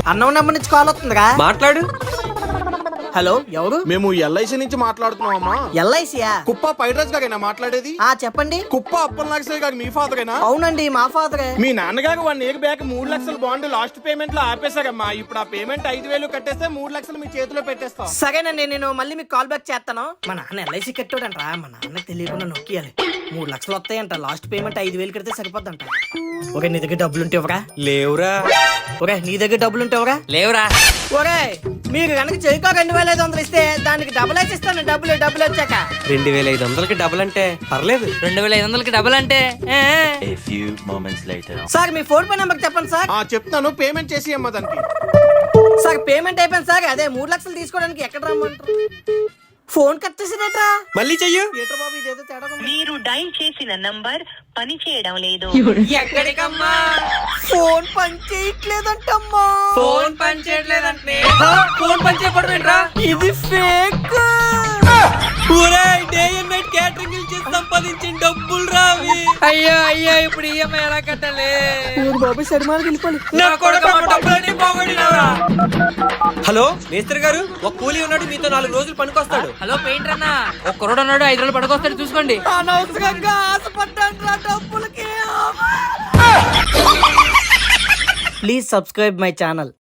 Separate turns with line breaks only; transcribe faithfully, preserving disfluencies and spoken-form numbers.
అన్నం నెంబర్ నుంచి కాల్ వస్తుందిగా
మాట్లాడు.
హలో, ఎవరు?
మేము ఎల్ఐసి నుంచి మాట్లాడుతున్నామమ్మా.
ఎల్ఐసియా?
కుప్ప పైడ్రాజ్ గారేనా మాట్లాడేది?
ఆ చెప్పండి.
కుప్ప అప్పల్ నాగేశ్వరి గారు మీ ఫాదరేనా?
అవునండి, మా ఫాదరే.
మీ నాన్నగారు వన్ ఇయర్ బ్యాక్ మూడు లక్షల బాండ్ లాస్ట్ పేమెంట్ లో ఆపేశారమ్మా. ఇప్పుడు ఆ పేమెంట్ ఐదు వేలు కట్టేస్తే మూడు లక్షలు మీ చేతిలో పెట్టేస్తాం.
సరేనండి, నేను మళ్ళీ మీకు కాల్ బ్యాక్ చేస్తాను. మా నాన్న ఎల్ఐసి కట్టాడంట, మా నాన్న తెలియకుండా నొక్కియాలి. మూడు లక్షలు వస్తాయంట, లాస్ట్ పేమెంట్ ఐదు వేలు కడితే సరిపోద్దంట. ఒరే, నీ దగ్గర డబ్బులు ఉంటే ఇవ్వరా?
లేవురా.
ఒరే, నీ దగ్గర డబ్బులు ఉంటే ఇవ్వరా?
లేవురా.
ఒరే, మీరు కనుక చెయ్యికో రెండు వేల ఐదు వందలు ఇస్తే దానికి డబ్బులు వేసి ఇస్తాను. డబ్బులు డబ్బులు వచ్చాక
రెండు వేల ఐదు వందలకి డబుల్ అంటే పర్లేదు.
రెండు వేల ఐదు వందలకి డబుల్ అంటే ఏ, ఏ.
A few moments later.
Sir, మీ ఫోన్ పే నెంబర్ చెప్పండి సార్.
ఆ చెప్తాను, పేమెంట్ చేసి అమ్మా దానికి.
సార్, పేమెంట్ అయిపోయింది సార్. అదే మూడు లక్షలు తీసుకోవడానికి ఎక్కడ రమ్మంటారు? ఫోన్ కట్ చేసేటట్రా.
మళ్ళీ చెయ్యు.
ఏట్రా బాబు, ఇదేదో తేడా ఉంది.
మీరు డైల్ చేసిన నంబర్ పని చేయడం లేదు.
ఎక్కడికమ్మా?
ఫోన్ పని చేయట్లేదంటమ్మా.
ఫోన్ పని చేయట్లేదంటే ఫోన్ పని చేయకపోవడం ఏంట్రా?
ఇది fake.
Day and night catering చేసి సంపాదించిన డబ్బులు రావి.
అయ్యో అయ్యో, ఇప్పుడు ఈఎంఐ ఎలా కట్టాలి?
ఊరు బాబు సరిమాలకు వెళ్ళిపోయి.
నా కొడుకు మా డబ్బులన్నీ పోగొట్టినావురా.
హలో మేస్త్రి గారు, ఒక కూలీ ఉన్నాడు, మీతో నాలుగు రోజులు పనికొస్తాడు.
హలో పెయింటర్ అన్న, ఒక కుర్రోడు ఉన్నాడు, ఐదు రోజులు పడుకొస్తాడు, చూసుకోండి.
అనవసరంగా ఆశపడ్డాను డబ్బులకి. Please subscribe my channel.